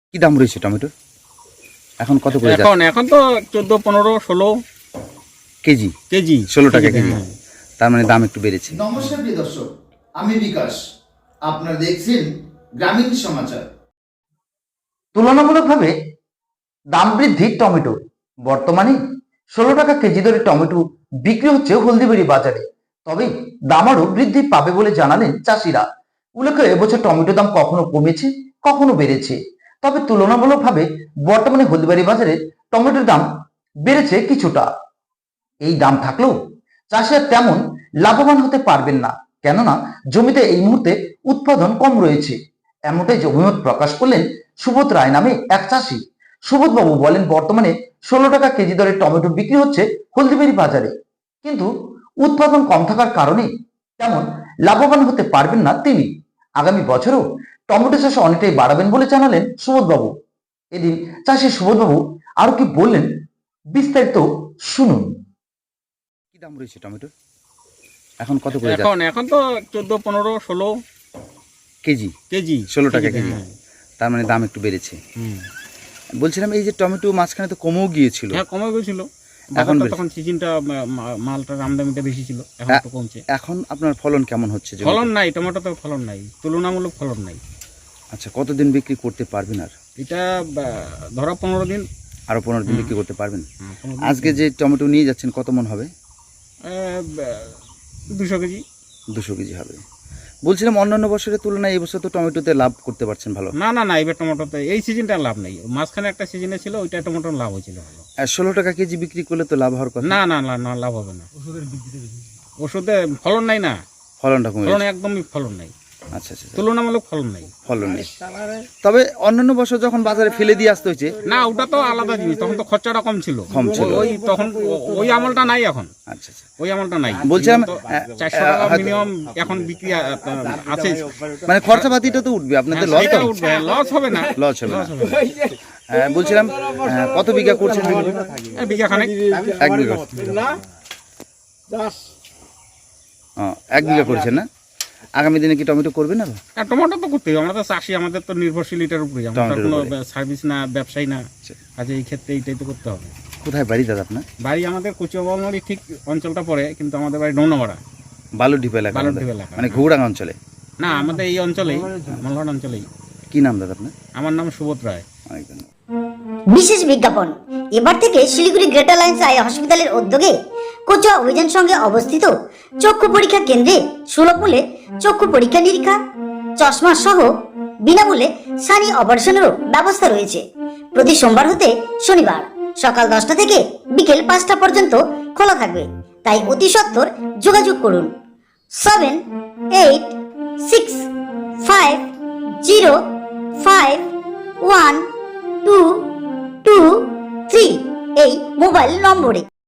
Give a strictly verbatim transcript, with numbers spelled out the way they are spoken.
কি দাম রয়েছে টমেটোর এখন? কত করে এখন এখন তো চোদ্দ পনেরো ষোলো কেজি? কেজি ষোলো টাকা কেজি, তার মানে দাম একটু বেড়েছে। নমস্কার প্রিয় দর্শক, আমি বিকাশ, আপনারা দেখছেন গ্রামীণ সমাচার। তুলনামূলকভাবে দাম বৃদ্ধি টমেটো। বর্তমানে ষোলো টাকা কেজি দরে টমেটো বিক্রি হচ্ছে হলদিবাড়ি বাজারে। তবে দাম আরও বৃদ্ধি পাবে বলে জানালেন চাষিরা। উল্লেখ্য, এবছর টমেটো দাম কখনো কমেছে, কখনো বেড়েছে। তবে তুলনামূলকভাবে বর্তমানে হলদিবাড়ি বাজারে টমেটোর দাম বেড়েছে কিছুটা। এই দাম থাকলেও চাষিরা তেমন লাভবান হতে পারবেন না, কেননা জমিতে এই মুহূর্তে উৎপাদন কম রয়েছে। এমনটাই অভিমত প্রকাশ করলেন সুবোধ রায় নামে এক চাষি। সুবোধ বাবু বলেন, বর্তমানে ষোলো টাকা কেজি দরে টমেটো বিক্রি হচ্ছে হলদিবাড়ি বাজারে, কিন্তু উৎপাদন কম থাকার কারণে তেমন লাভবান হতে পারবেন না তিনি। আগামী বছরও টমেটো চাষ অনেকটাই বাড়াবেন বলে জানালেন সুবোধ বাবু। এদিন চাষি সুবোধ বাবু আরো কি বললেন, বিস্তারিত শুনুন। কি দাম রয়েছে টমেটোর এখন? কত করে এখন এখন তো চোদ্দ পনেরো ষোলো কেজি? কেজি ষোলো টাকা কেজি, তার মানে দাম একটু বেড়েছে। বলছিলাম এই যে টমেটো মাঝখানে তো কমেও গিয়েছিল। হ্যাঁ, কমে গেছিল এখন এখন, তখন সিজনটা মালটার আমদানিটা বেশি ছিল, এখন একটু কমছে। এখন আপনার ফলন কেমন হচ্ছে? ফলন নাই, টমেটোতে ফলন নাই, তুলনামূলক ফলন নাই। আচ্ছা, কতদিন বিক্রি করতে পারবেন? আর এটা ধরো পনেরো দিন, আরো পনেরো দিন বিক্রি করতে পারবেন। আজকে যে টমেটো নিয়ে যাচ্ছেন কত মন হবে? দুশো কেজি। দুশো কেজি হবে। বলছিলাম অন্যান্য বছরের তুলনায় এই বছর তো টমেটোতে লাভ করতে পারছেন ভালো? না না না, এবার টমেটোতে এই সিজনটা লাভ নেই। মাঝখানে একটা সিজনে ছিল, ওইটা টমেটোর লাভ হয়েছিল ভালো। আর ষোলো টাকা কেজি বিক্রি করলে তো লাভ হওয়ার কথা। না না না না, লাভ হবে না। ওষুধের বিক্রিতে বেশি, ওষুধে ফলন নাই না, ফলনটা কমে ফলন গেছে। একদমই ফলন নাই। আচ্ছা আচ্ছা, তুলনামূলক ফলন নাই, ফলন নেই। তবে অন্যান্য বছর যখন বাজারে ফেলে দিয়ে আসতে হয়েছে, না ওটা তো আলাদা জিনিস, তখন তো খরচাটা কম ছিল। কম ছিল। ওই তখন ওই আমলটা নাই এখন। আচ্ছা আচ্ছা, ওই আমলটা নাই। বলছিলাম চারশো টাকা মিনিমাম এখন বিক্রি আছে, মানে খরচাপাতিটা তো উঠবে আপনাদের, লস সেটা উঠবে, লস হবে না, লস হবে না। হ্যাঁ, বলছিলাম আহ, কত বিঘা করছেন? এই বিঘা খানেক। এক বিঘা। ও, এক বিঘা করছেন না? আগামী দিনে কি টমেটো করবেন? আর আর টমেটো তো করতেই হবে, আমরা তো চাষি, আমাদের তো নির্ভরশীল এটার উপরে, আমরা টমেটোর কোনো উপরে। সার্ভিস না, ব্যবসায়ী না। আচ্ছা, এই ক্ষেত্রে এইটাই তো করতে হবে। কোথায় বাড়ি দাদা আপনার? বাড়ি আমাদের কচুয়াবাড়ি ঠিক অঞ্চলটা পড়ে, কিন্তু আমাদের বাড়ি ডৌনামারা, বালুডিপ এলাকা? বালুরডিপ এলাকা। মানে ঘুগড়াঙ্গা অঞ্চলে? না, আমাদের এই অঞ্চলেই, মালহাট অঞ্চলেই। কি নাম দাদা আপনার? আমার নাম সুবোধ রায়। অনেক ধন্যবাদ। বিশেষ বিজ্ঞাপন, এবার থেকে শিলিগুড়ি গ্রেটার লাইন্স আই হসপিটালের উদ্যোগে কোচুয়া অভিযান সঙ্গে অবস্থিত চক্ষু পরীক্ষা কেন্দ্রে সুলভ মূল্যে চক্ষু পরীক্ষা নিরীক্ষা, চশমা সহ বিনামূল্যে সানি অপারেশনেরও ব্যবস্থা রয়েছে। প্রতি সোমবার হতে শনিবার সকাল দশটা থেকে বিকেল পাঁচটা পর্যন্ত খোলা থাকবে, তাই অতি সত্বর যোগাযোগ করুন seven eight six five zero five one two two three এই মোবাইল নম্বরে।